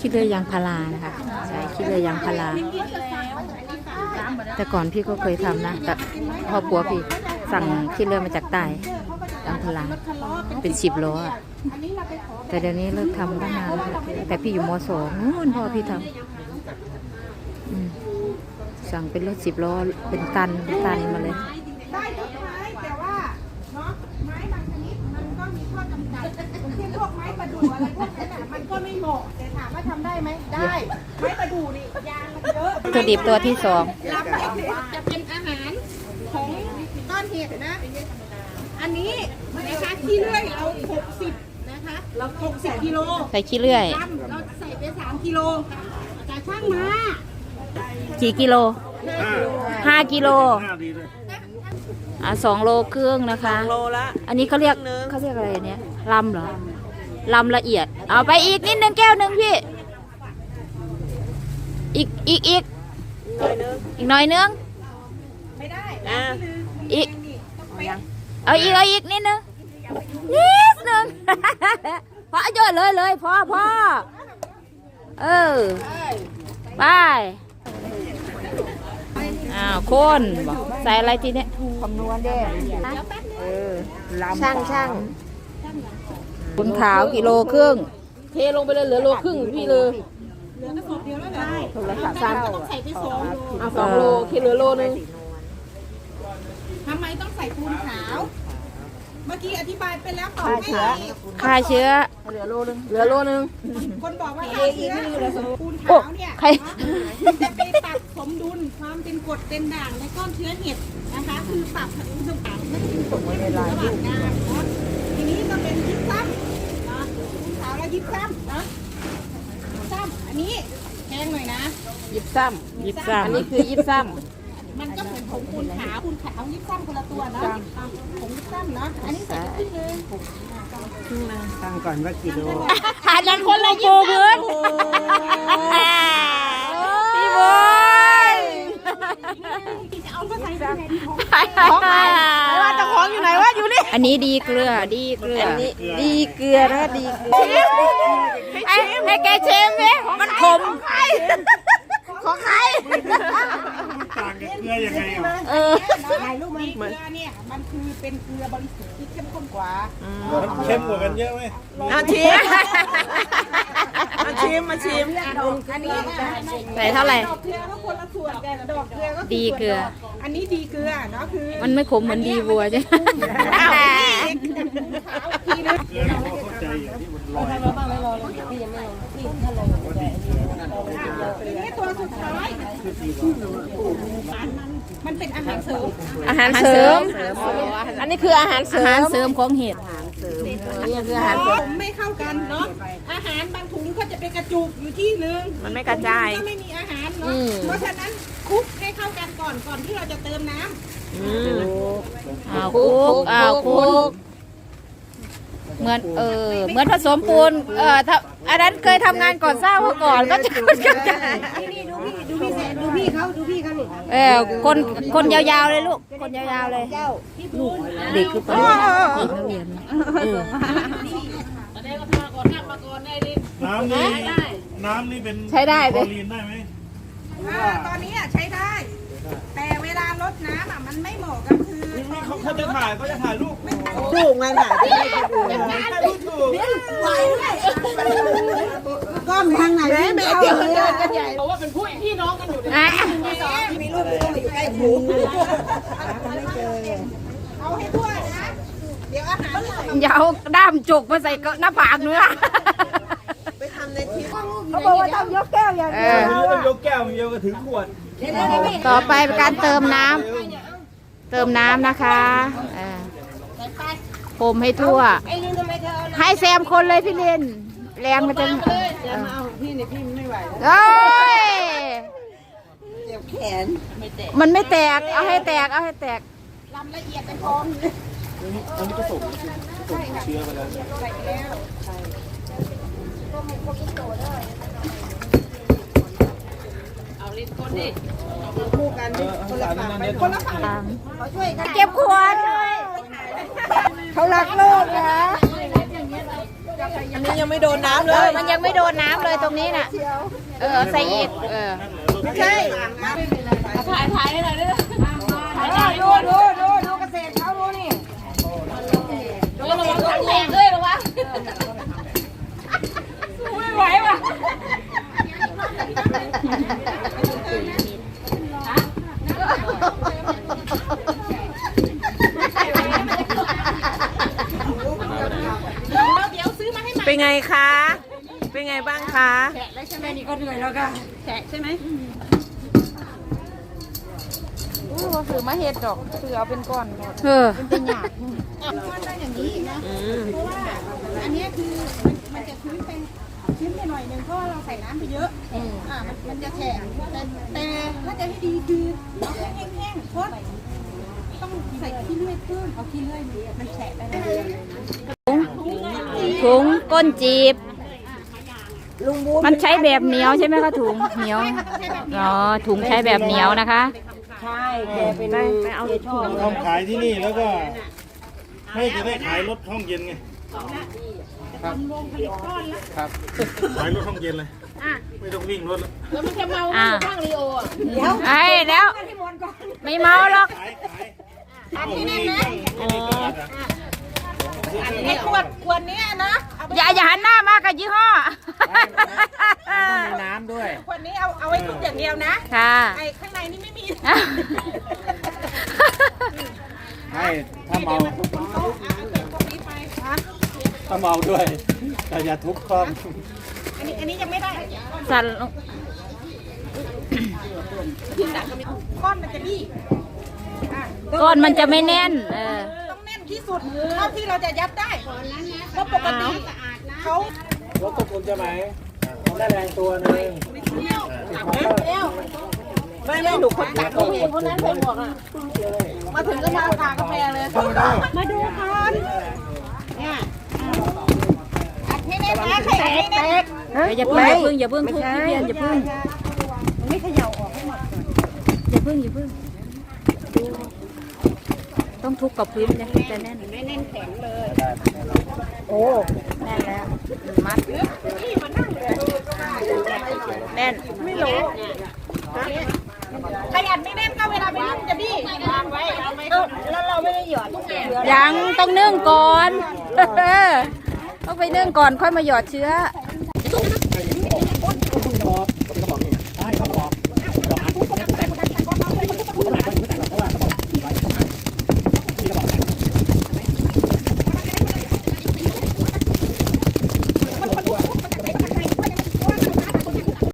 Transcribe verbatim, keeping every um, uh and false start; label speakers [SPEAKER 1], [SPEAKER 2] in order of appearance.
[SPEAKER 1] ขี้เลื่อยยางพารานะคะใช่ขี้เลื่อยยางพาราแต่ก่อนพี่ก็เคยทำนะแต่พ่อปัวพี่สั่งขี้เลื่อยมาจากใต้ยางพาราเป็นสิบล้อแต่เดี๋ยวนี้เลิกทำตั้งนานแล้วแต่พี่อยู่ม.สองนู่นพ่อพี่ทำสั่งเป็นรถสิบล้อเป็นตันเป็นตันมาเลย
[SPEAKER 2] ได้ทุกไม้แต่ว่าเนาะไม้บางชนิดมันก็มีข้อจำกัดเช่นพวกไม้ประดู่อะไรพวกนั้นอ่ะมันก็ไม่เหมาะแต่ถามว่าทำได้ไหมได้ไม้ประดู่นี่ยางมันเยอะ
[SPEAKER 1] วัตถุดิบตัวที่สอง
[SPEAKER 2] ลำไม้จะเป็นอาหารของก้อนเห็ดนะอันนี้นะคะที่เลื่อยเราหกสิบนะคะเราหกสิบกิโล
[SPEAKER 1] ใส่ขี้เลื่อย
[SPEAKER 2] เราใส่ไปสามกิโลจะช่างมา
[SPEAKER 1] กี่กิโลห้ากิโลอ่ะสองโลครึ่งนะคะ
[SPEAKER 3] โลละ
[SPEAKER 1] อันนี้เขาเรียกเขาเรียกอะไรเนี่ยลำเหรอลำละเอียดเอาไปอีกนิดนึงแก้วหนึ่งพี่อีกอีกอีกอีกหน่อยนึง
[SPEAKER 2] ไม่ได้
[SPEAKER 1] อีกเอาอีกเอาอีกนิดนึงนิดนึงพอเยอะเลยเลยพอพอเออไปอ้าวคนบอกใส่อะไรทีเนี้ย
[SPEAKER 3] คำนวณเด้เออ
[SPEAKER 1] ช่างช่างคุณขาวกิโลครึ่งเทลงไปเลยเหลือโลครึ่งพี่เลย
[SPEAKER 2] เหลือกระสอบเดียวแล้วได้
[SPEAKER 1] โทรศัพท์สั้น
[SPEAKER 2] ต้องใส่ไปสองโล
[SPEAKER 1] เอาสองโลคิดเหลือโลนึง
[SPEAKER 2] ทำไมต้องใส่ปูนขาวเมื่อกี้อธิบายไปแล้วต่อให้
[SPEAKER 1] ฆ่าเชื้อ
[SPEAKER 3] เหลือโลนึง
[SPEAKER 1] เหลือโลนึง
[SPEAKER 2] คนบอกว่าฆ่าเชื้อปูนขาวเนี่ยจะไปปรับสมดุลความเป็นกรดเป็นด่างในก้อนเชื้อเห็ดนะคะคือปรับสมดุลต่างๆไม่เป็นกรดไม่เป็นระหว่างงานเนาะทีนี้ก็เป็นยิบซ้ำนะปูนขาวแล้วยิบซ้ำนะซ้ำอันนี้แพงหน่อยนะ
[SPEAKER 1] ยิบซ้ำยิบซ้ำอันนี้คือยิบซ้ำ
[SPEAKER 2] มันก็เหมือนผงปูนขาวปูนขาวยิบซ้ำคนละตัวเนาะผงยิบซ้ำเนาะอันนี้ใส่ครึ่งนึง
[SPEAKER 3] ครึ่งนึงตั้งก่อนว่ากี่โล
[SPEAKER 1] หาจังคนละปูพื้นพี่บอย
[SPEAKER 3] ของใครไม่ว่าจะของอยู่ไหนว่าอยู่นี่
[SPEAKER 1] อันนี้ดีเกลือดีเกลือ
[SPEAKER 3] อันนี้ดีเกลือนะดีเกลือ
[SPEAKER 1] ให้ให้แกเชมไหมมันขม
[SPEAKER 3] ของใคร
[SPEAKER 4] ต่างกับเกลือยังไงอ่ะ
[SPEAKER 1] เออ
[SPEAKER 2] ลูกมันเกลือเนี่ยมันคือเป็นเกลือบริสุทธิ์ที่เข้มข้นกว่า
[SPEAKER 4] เข้มกว่ากันเยอะไหม
[SPEAKER 3] มาชิมมาชิมมาชิม
[SPEAKER 2] อันนี้
[SPEAKER 1] ใส่เท่าไหร่
[SPEAKER 2] ดอกเกลือก็คนละส่วนแต่ดอกเกลือก็
[SPEAKER 1] ดีเกลือ
[SPEAKER 2] อันนี้ดีเกลือเนาะคือ
[SPEAKER 1] มันไม่ขมเหมือนดีวัวใช่ไหม
[SPEAKER 4] เกลือเราเข้าใจอย่างที่มันลอย
[SPEAKER 2] นี่ตัวสุดท้ายมันเป็นอาหารเสริม
[SPEAKER 1] อาหารเสริม
[SPEAKER 3] อันนี้คืออาหารเสริม
[SPEAKER 1] อาหารเสริมของเห็ด
[SPEAKER 3] นี่คืออาหารเสริม
[SPEAKER 2] ไม่เข้ากันเนาะอาหารบางถุงเขาจะเป็นกระจุกอยู่ที่นึง
[SPEAKER 3] มันไม่กระจาย
[SPEAKER 2] ก็ไม่มีอาหารเนาะเพราะฉะนั้นคลุกให้เข้ากันก่อนก่อนที่เราจะเติมน้
[SPEAKER 1] ำอ้าวคลุกอ้าวคลุกเหมือนเออเหมือนผสมปูนเออถ้าอันนั้นเคยทำงานก่อนสร้างมาก่อนก็จะดูพี่
[SPEAKER 2] ดูพี่ดูพี่เขาดูพี่เขา
[SPEAKER 1] เออคนคนยาวๆเลยลูกคนยาวๆเลยลูกเด็กคือปนักเรียน
[SPEAKER 4] น้ำนี่น้ำนี่เป็น
[SPEAKER 1] ใช้ได้
[SPEAKER 4] คลอรีนได้ไหม
[SPEAKER 2] ตอนนี้ใช้ได้แต่เวลาลดน้ำอ่ะมันไม่เหมาะกับคือ
[SPEAKER 4] เขาเขาจะถ่ายเขาจะถ่ายรูป
[SPEAKER 3] ลูกไงถ่ายที่ให้ดู
[SPEAKER 4] ถ่ายรูปถูก
[SPEAKER 2] ก้อนทางไหน
[SPEAKER 3] แม่เดี๋ยวเดินกันใหญ่
[SPEAKER 2] เพราะว่าเป็นผู้พี่น้องกันอยู่มีลูกมีลูกอยู่ใกล้หูเอาให้ทั่วนะเดี๋ยวอาหาร
[SPEAKER 1] อย่าเอาด้ามจุกมาใส่หน้าผากเนื้อ
[SPEAKER 3] ไปทำในที
[SPEAKER 2] เขาบอกว่าต้องยกแก้วอย่างเดียว
[SPEAKER 4] ต้องยกแก้วเดียวก็ถึงขวด
[SPEAKER 1] ต่อไปเป็นการเติมน้ำเติมน้ำนะคะพรมให้ทั่วให้แซมคนเลยพี่เล่นแรงมันจะ
[SPEAKER 3] พี่เนี่ยพี่ไม่ไหว
[SPEAKER 1] เอ้ย
[SPEAKER 3] เจ็บแขน
[SPEAKER 1] มันไม่แตกเอาให้แตกเอาให้แตก
[SPEAKER 2] ลำละเอียดเป็นพร้อม
[SPEAKER 4] อันนี้ผสมผสมเชื้อไปแล้ว
[SPEAKER 2] ใส่แล้วเอาลิ้นคนดิคู่กันคนละฝั่งคนละฝั่งเขาช่วยกัน
[SPEAKER 1] เก็บขวด
[SPEAKER 3] เขารักโลกนะอันนี้ยังไม่โดนน้ำเล
[SPEAKER 1] เออย มันยังไม่โดนน้ำเลยตรงนี้น่ะเออใส่อีกเออ
[SPEAKER 3] ไม่ใช่
[SPEAKER 2] ถ่ายถ่ายให้หน่อยด้วยถ่ายถ่าย
[SPEAKER 3] ดูดูดูดูเกษตรเขาดูนี่
[SPEAKER 2] ดูระวังถังแตกด้วยระวังไม่ไหวว่ะ เดี๋ยวซื้อมาให้ใหม่
[SPEAKER 3] เป็นไงคะ เป็นไงบ้างคะ
[SPEAKER 2] แฉะแล้วใช่ไหมนี่ก็เหนื่อยแล้วก็แฉะใช่ไหม
[SPEAKER 1] อู้ว่าถือมาเฮ็ดดอกถือเอาเป็นก้อนเออ
[SPEAKER 2] เป็นหยาบก้อนได้อย่างนี้นะเพราะว่าอันนี้คือมันจะชื้นเป็นชื้นไปหน่อยนึงเพราะเราใส่น้ำไปเยอะอ่ามันมันจะแฉะแต่แต่ถ้าจะให้ดีคือเอาแห้งๆทดต้องใส่ขี้เลื่อยเพิ่มเอาขี้เลื่อยมันแฉะไปเลย
[SPEAKER 1] ถุงก้นจีบ
[SPEAKER 3] ลุงบู
[SPEAKER 1] มันใช้แบบเหนียวใช่ไหมคะถุงเหนียวอ๋อถุงใช้แบบเหนียวนะคะ
[SPEAKER 3] ใช่แกเป็นไปเอาชอบ
[SPEAKER 4] ทำขายที่นี่แล้วก็ให้จะได้ขายรถห้องเย็นไงครับครับขายรถห้องเย็นเลยไม่ต้องวิ่งรถแล้ว
[SPEAKER 2] แล้วมันจะเมา
[SPEAKER 1] อ่า
[SPEAKER 2] ข้างรีโออ่ะ
[SPEAKER 3] เดี๋ยว
[SPEAKER 1] ไอ้แล้วไม่เมาหรอก
[SPEAKER 4] ขายขาย
[SPEAKER 2] อันนี้แน่นนะ
[SPEAKER 4] ไม่ได้เกิดอ่ะ
[SPEAKER 2] ไอ้ขวดขวดนี้นะเอาไป
[SPEAKER 1] อย่าอย่าหันหน้ามากับยี่ห้อ
[SPEAKER 4] ต้องมีน้ำด้วย
[SPEAKER 2] ขวดนี้เอาเอาไว้ทุกอย่างเดียวนะ
[SPEAKER 1] ค่ะ
[SPEAKER 2] ไอ้ข้างในนี่ไม่มี
[SPEAKER 4] ให้ถ้าเมา
[SPEAKER 2] โต๊ะอ่ะเก็บพวกนี้ไปครับ
[SPEAKER 4] ถ้าเมาด้วยแต่อย่าทุบคอม
[SPEAKER 2] อันนี้อันนี้ยังไม่ได้
[SPEAKER 1] สั่นลง
[SPEAKER 2] ก้อนมันจะบี้อ่ะ
[SPEAKER 1] ก้อนมันจะไม่แน่น เออ
[SPEAKER 2] ต้องแน่นที่สุดเท่าที่เราจะยัดได้เพราะปกติเขา
[SPEAKER 4] รถตกลงจะไหมได้แรงตัวนึง
[SPEAKER 3] ไม่ไม่หนูคนตัก
[SPEAKER 4] ผู้หญิงคนนั้นใส่หมวกอ่ะ
[SPEAKER 2] มาถึงก็มาทากาแฟเลย มาดูกันเนี่ยอัดให้แน่นนะใครอัดให้แน่น
[SPEAKER 1] อย่าเพิ่งอย่าเพิ่งอย่าเพิ่งทุบพี่เพียนอย่าเพิ่ง
[SPEAKER 2] ไม่เขย่าออกให้หมด
[SPEAKER 1] อย่าเพิ่งอย่าเพิ่งดูต้องทุบกับพื้นเนี่ยจะแน่น
[SPEAKER 2] ไม่แน่นแข็งเลย
[SPEAKER 1] โอ้แน่นแล้วมัด
[SPEAKER 2] นี่มานั่งเลย
[SPEAKER 1] แน่น
[SPEAKER 2] ไม่รู้ใครอัดไม่แน่นก็เวลาไปนึ่งจะบี้วางไว้เอาไว้แล้วเราไม่ได้หยอดทุกอย่าง
[SPEAKER 1] ยังต้องนึ่งก่อน ต้องไปนึ่งก่อนค่อยมาหยอดเชื้อ
[SPEAKER 2] เ